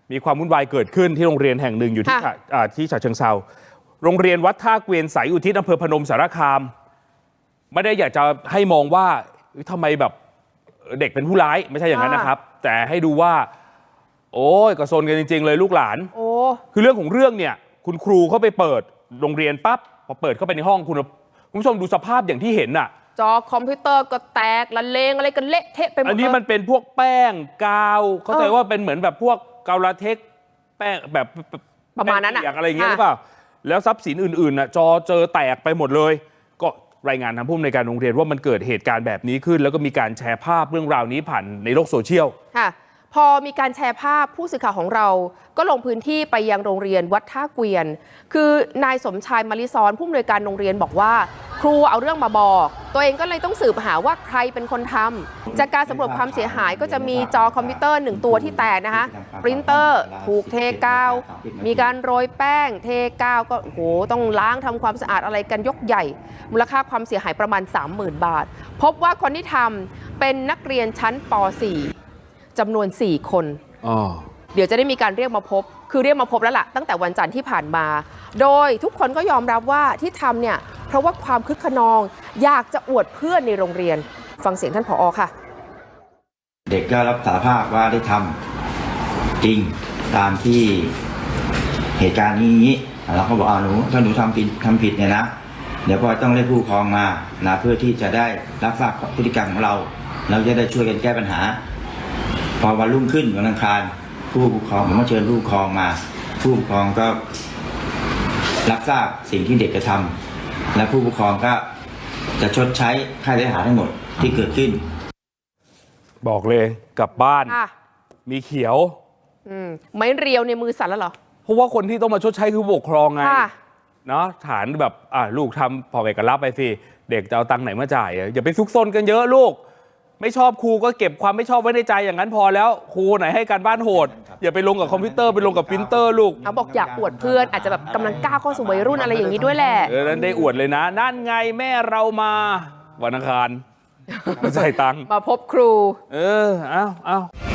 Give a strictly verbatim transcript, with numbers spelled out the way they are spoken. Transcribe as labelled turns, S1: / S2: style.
S1: มีความวุ่นวายเกิดขึ้นที่โรงเรียนแห่งหนึ่งอยู่ที่ที่ฉะเชิงเทราโรงเรียนวัดท่าเกวียนสายอุทิศอำเภอพนมสารคามไม่ได้อยากจะให้มองว่าทำไมแบบเด็กเป็นผู้ร้ายไม่ใช่อย่างนั้นนะครับแต่ให้ดูว่าโอ้ยกระโซนกันจริงๆเลยลูกหลานโอ้คือเรื่องของเรื่องเนี่ยคุณครูเขาไปเปิดโรงเรียนปั๊บพอเปิดเข้าไปในห้องคุณคุณผู้ชมดูสภาพอย่างที่เห็นน่ะ
S2: จอคอมพิวเตอร์ก็แตกละเลงอะไรกันเละเทะไปหมด
S1: อันนี้มันเป็นพวกแป้งกาวเข้าใจว่าเป็นเหมือนแบบพวกกาวลาเทคแป้งแบบ
S2: ประมาณนั้นอะ
S1: อะไรอย่างเงี้ยหรือเปล่าแล้วทรัพย์สินอื่นๆน่ะจอเจอแตกไปหมดเลยก็รายงานทางผู้อำนวยการโรงเรียนว่ามันเกิดเหตุการณ์แบบนี้ขึ้นแล้วก็มีการแชร์ภาพเรื่องราวนี้ผ่านในโลกโซเชียล
S2: ค่ะพอมีการแชร์ภาพผู้สื่อข่าวของเราก็ลงพื้นที่ไปยังโรงเรียนวัดท่าเกวียนคือนายสมชายมาริซ้อนผู้อำนวยการโรงเรียนบอกว่าครูเอาเรื่องมาบอกตัวเองก็เลยต้องสืบหาว่าใครเป็นคนทำจากการสำรวจความเสียหายก็จะมีจอคอมพิวเตอร์หนึ่งตัวที่แตกนะคะปรินเตอร์ถูกเทกาวมีการโรยแป้งเทกาวก็โอ้โหต้องล้างทำความสะอาดอะไรกันยกใหญ่มูลค่าความเสียหายประมาณ สามหมื่น บาทพบว่าคนที่ทำเป็นนักเรียนชั้นป สี่จำนวน สี่ คนเดี๋ยวจะได้มีการเรียกมาพบคือเรียกมาพบแล้วล่ะตั้งแต่วันจันทร์ที่ผ่านมาโดยทุกคนก็ยอมรับว่าที่ทำเนี่ยเพราะว่าความคึกขนองอยากจะอวดเพื่อนในโรงเรียนฟังเสียงท่านผอ.ค่ะ
S3: เด็กก็รับสารภาพว่าได้ทำจริงตามที่เหตุการณ์นี้เราก็บอกเอาหนูถ้าหนูทำผิดทำผิดเนี่ยนะเดี๋ยวพ่อต้องเรียกผู้ปกครองมานะเพื่อที่จะได้รับทราบพฤติกรรมของเราเราจะได้ช่วยกันแก้ปัญหาพอวันรุ่งขึ้นวันอังคารผู้ปกครองผมก็เชิญผู้ปกครองมาผู้ปกครองก็รับทราบสิ่งที่เด็กกระทำและผู้ปกครองก็จะชดใช้ค่าเสียหายทั้งหมดที่เกิดขึ้น
S1: บอกเลยกลับบ้านมีเขียว
S2: ไม่เรียวในมือสั่นแล้วเหรอ
S1: เพราะว่าคนที่ต้องมาชดใช้คือผู้ปกครองไงเนาะฐานแบบอ่าลูกทำพอไปกันรับไปสิเด็กจะเอาตังค์ไหนมาจ่ายอย่าไปซุกซนกันเยอะลูกไม่ชอบครูก็เก็บความไม่ชอบไว้ในใจอย่างนั้นพอแล้วครูไหนให้การบ้านโหดอย่าไปลงกับคอมพิวเตอร์ไปลงกับปรินเตอร์ลูก
S2: เขาบอกอยากอวดเพื่อนอาจจะแบบกำลังก้าวเข้าสู่วัยรุ่นอะไรอย่างนี้ด้วยแหละ
S1: เออนั้นได้อวดเลยนะนั่นไงแม่เรามาวันอังคารมาจ่ายตังค์
S2: มาพบครู
S1: เออเอ้าเอ้า